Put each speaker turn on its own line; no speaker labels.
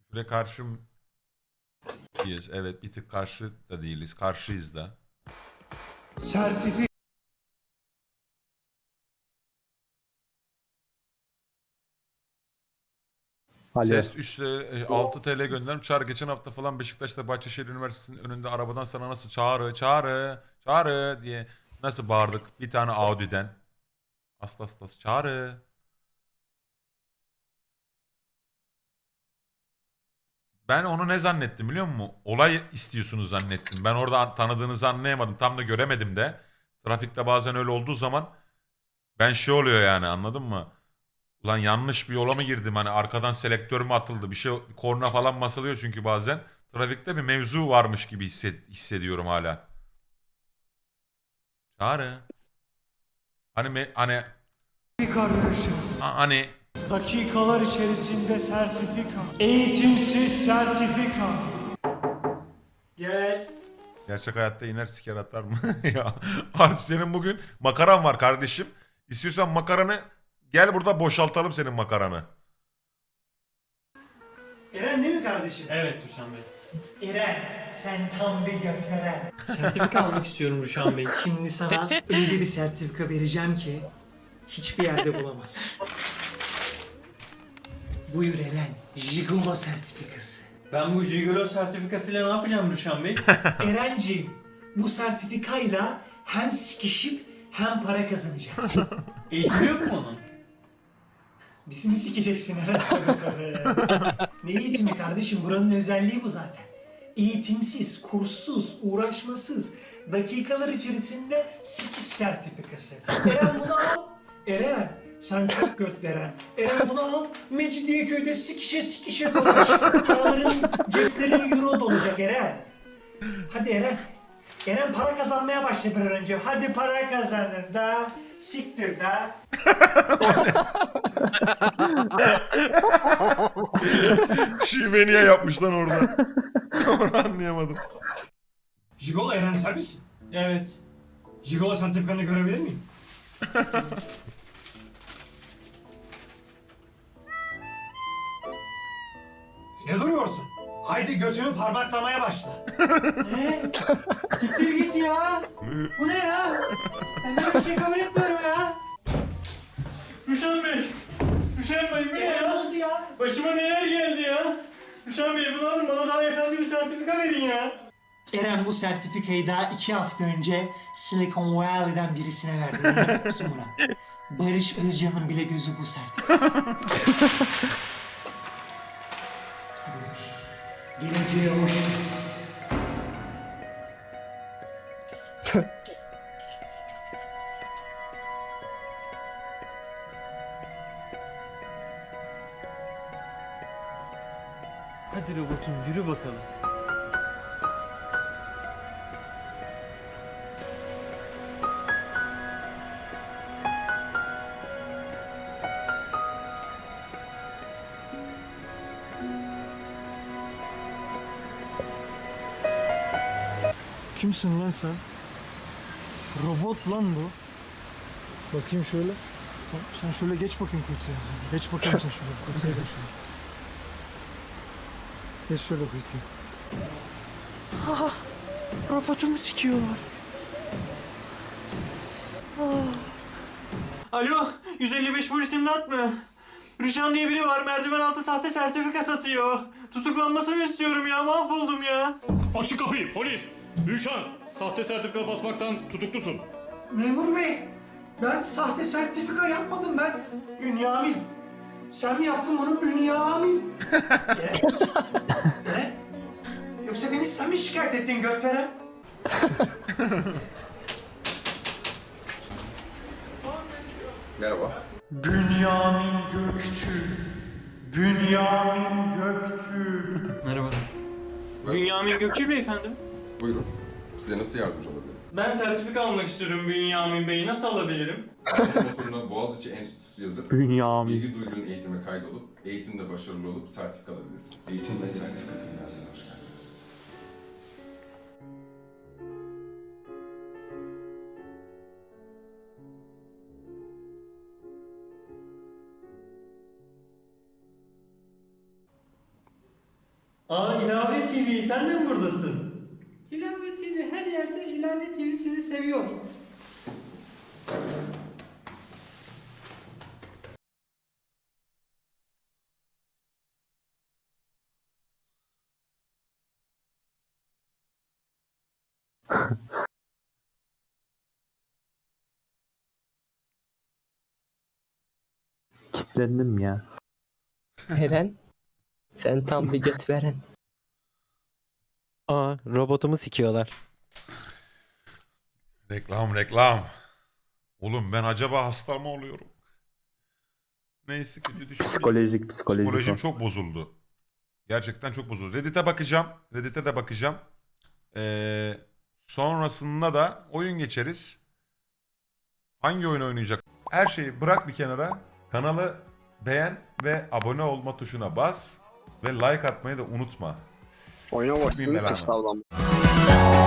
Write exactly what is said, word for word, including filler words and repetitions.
Süre karşı mıyız? Evet, bir tık karşı da değiliz. Karşıyız da.
Sertifi
Alo.
Ses üç altı T L gönderdim. Çağrı geçen hafta falan Beşiktaş'ta Bahçeşehir Üniversitesi'nin önünde arabadan sana nasıl çağrı çağrı çağrı diye nasıl bağırdık bir tane Audi'den. Aslı aslı çağrı. Ben onu ne zannettim biliyor musun? Olay istiyorsunuz zannettim. Ben orada tanıdığınızı anlayamadım. Tam da göremedim de. Trafikte bazen öyle olduğu zaman ben şey oluyor yani, anladın mı? Ulan yanlış bir yola mı girdim? Hani arkadan selektör mü atıldı? Bir şey, korna falan basılıyor çünkü bazen. Trafikte bir mevzu varmış gibi hisset, hissediyorum hala. Çağrı. Hani me, hani
karışım.
a- hani
Dakikalar içerisinde sertifika. Eğitimsiz sertifika. Gel.
gerçek hayatta iner siker atar mı? Ya Alp, senin bugün makaran var kardeşim. İstiyorsan makaranı gel burada boşaltalım senin makaranı.
Eren değil mi kardeşim?
Evet Ruşan Bey.
Eren, sen tam bir götveren.
Sertifika almak istiyorum Ruşan Bey.
Şimdi sana öyle bir sertifika vereceğim ki hiçbir yerde bulamazsın. Buyur Eren, Jigolo sertifikası.
Ben bu Jigolo sertifikasıyla ne yapacağım Ruşan Bey?
Erenciğim, bu sertifikayla hem sikişip hem para kazanacaksın.
Eğitim yok mu onun?
Bizi mi sikeceksin Eren? Tabii tabii. Ne eğitimi kardeşim? Buranın özelliği bu zaten. Eğitimsiz, kurssuz, uğraşmasız, dakikalar içerisinde sikiş sertifikası. Eren bunu al. Eren, sen çok göt Eren. Eren bunu al. Mecidiyeköy'de sikişe sikişe dolaş. Paraların, ceplerin euro dolacak Eren. Hadi Eren. Eren para kazanmaya başla bir an önce. Hadi para kazanın da. Siktir da.
Şive niye yapmış lan orada? Onu anlayamadım.
Jigolo Eren sen misin?
Evet.
Jigolo sertifikanı görebilir miyim? Ne duruyorsun? Haydi götünü parmaklamaya başla.
Ne? Siktir git ya. Bu ne ya? Ben böyle bir şey kabul etmiyorum ya. Ruşan Bey. Ruşan Bey bu ne
Ne
ya?
oldu ya?
Başıma neler geldi ya? Ruşan Bey bunu alın bana daha efendi bir sertifika verin ya.
Eren bu sertifikayı daha iki hafta önce Silicon Valley'den birisine verdi. İnanır mısın buna? Barış Özcan'ın bile gözü bu sertifika. Geleceğe hoş geldin.
Hadi robotum yürü bakalım.
Kimsin lan sen? Robot lan bu. Bakayım şöyle. Sen, sen şöyle geç bakayım kutuya. Geç bakayım sen şöyle kutuya geç şöyle. Geç şöyle kutuya. Ah, robotumu sikiyorlar.
Alo, yüz elli beş polis imdat mı? Rüşan diye biri var, merdiven altı sahte sertifika satıyor. Tutuklanmasını istiyorum ya, mahvoldum ya.
Açık kapıyı polis. Rüşan sahte sertifika basmaktan tutuklusun.
Memur bey, ben sahte sertifika yapmadım ben. Bünyamin. Sen mi yaptın bunu Bünyamin? Eren. Eren. Yoksa beni sen mi şikayet ettin götveren?
Merhaba.
Bünyamin Gökçü. Bünyamin Gökçü.
Merhaba. Bünyamin Gökçü beyefendi.
Buyurun. Size nasıl yardımcı olabilirim?
Ben sertifika almak istiyorum Bünyamin Bey, nasıl alabilirim?
Motoruna Boğaziçi Enstitüsü yazıp
Bünyamin.
ilgi duyduğun eğitime kaydolup eğitimde başarılı olup sertifika alabilirsin. Eğitim ve sertifika dünyasına hoş geldiniz.
Aa İlave T V sen de mi buradasın? İlave T V her yerde, İlave T V sizi seviyor.
Kitlendim ya.
Eren, sen tam bir göt veren.
Aa, robotumu sikiyorlar.
Reklam reklam. Oğlum ben acaba hasta mı oluyorum? Neyse kötü düşünce.
Psikolojik psikolojik.
Psikolojim
o.
çok bozuldu. Gerçekten çok bozuldu. Reddit'e bakacağım. Reddit'e de bakacağım. Ee, sonrasında da oyun geçeriz. Hangi oyun oynayacak? Her şeyi bırak bir kenara. Kanalı beğen ve abone olma tuşuna bas. Ve like atmayı da unutma.
Oyuna bak.
Sikmeyeyim belanı.
Kıstavlan.